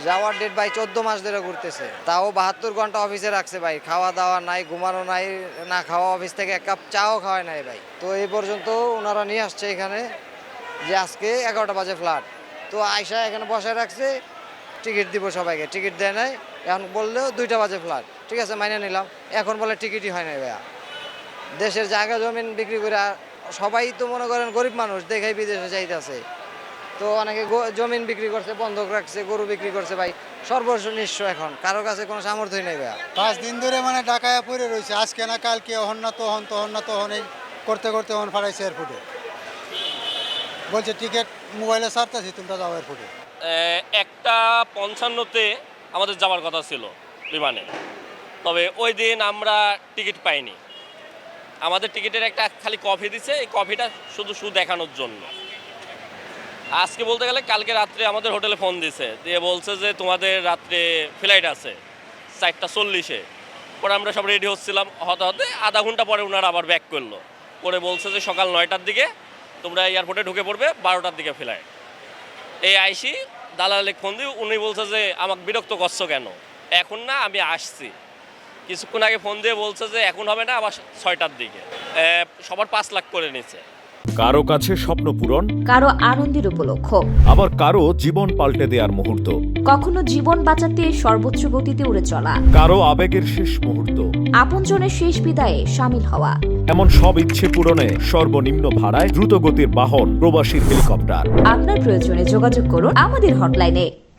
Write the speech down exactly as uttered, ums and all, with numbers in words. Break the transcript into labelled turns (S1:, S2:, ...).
S1: যাওয়ার ডেট ভাই চোদ্দ মাস ধরে ঘুরতেছে, তাও বাহাত্তর ঘন্টা অফিসে রাখছে ভাই, খাওয়া দাওয়া নাই, ঘুমানো নাই, না খাওয়া, অফিস থেকে এক কাপ চাও খাওয়ায় নাই ভাই। তো এই পর্যন্ত ওনারা নিয়ে আসছে এখানে যে আজকে এগারোটা বাজে ফ্লাইট, তো আয়সা এখানে বসায় রাখছে, টিকিট দিব সবাইকে, টিকিট দেয় নাই। এখন বললেও দুইটা বাজে ফ্লাইট, ঠিক আছে মাইনে নিলাম, এখন বলে টিকিটই হয় নাই ভাইয়া। দেশের জায়গা জমিন বিক্রি করে সবাই তো মনে করেন গরিব মানুষ দেখেই বিদেশে যাইতেছে, তো অনেকে জমিন বিক্রি করছে, বন্ধক রাখছে, গরু বিক্রি করছে ভাই, সর্বস্ব নিঃস্ব, এখন কারো কাছে কোনো সামর্থ্যই নেই ভাইয়া।
S2: পাঁচ দিন ধরে মানে ঢাকায় পড়ে রয়েছে, আজকে না কালকে, হন না তো হন, তো হন না তো হন, এই করতে করতে হন ফাড়াইছে এয়ারপোর্টে, বলছে টিকিট মোবাইলে ছাড়তেছি, তোমরা যাও এয়ারপোর্টে।
S3: একটা পঞ্চান্নতে আমাদের যাওয়ার কথা ছিল বিমানে, তবে ওই দিন আমরা টিকিট পাইনি। আমাদের টিকিটের একটা খালি কপি দিছে, এই কপিটা শুধু শুধু দেখানোর জন্য। আজকে বলতে গেলে কালকে রাত্রে আমাদের হোটেলে ফোন দিছে, দিয়ে বলছে যে তোমাদের রাত্রে ফ্লাইট আছে চারটা চল্লিশে। পরে আমরা সব রেডি হচ্ছিলাম, হতে হতে আধা ঘন্টা পরে ওনারা আবার ব্যাক করলো, করে বলছে যে সকাল নয়টার দিকে তোমরা এয়ারপোর্টে ঢুকে পড়বে, বারোটার দিকে ফ্লাইট। এই আইসি দালালে ফোন দিয়ে উনি বলছে যে আমাকে বিরক্ত করছো কেন, এখন না আমি আসছি। কিছুক্ষণ আগে ফোন দিয়ে বলছে যে এখন হবে না, আবার ছয়টার দিকে। সবার পাঁচ লাখ করে নিচ্ছে।
S4: কারো কাছে স্বপ্ন পূরণ,
S5: কারো আনন্দের উপলক্ষ,
S4: আবার কারো জীবন পাল্টে দেওয়ার মুহূর্ত,
S5: কখনো জীবন বাঁচাতে সর্বোচ্চ গতিতে উড়ে চলা,
S4: কারো আবেগের শেষ মুহূর্ত,
S5: আপনজনের শেষ বিদায়ে সামিল হওয়া,
S4: এমন সব ইচ্ছে পূরণে সর্বনিম্ন ভাড়ায় দ্রুত গতির বাহন প্রবাসীর হেলিকপ্টার।
S5: আপনার প্রয়োজনে যোগাযোগ করুন আমাদের হটলাইনে।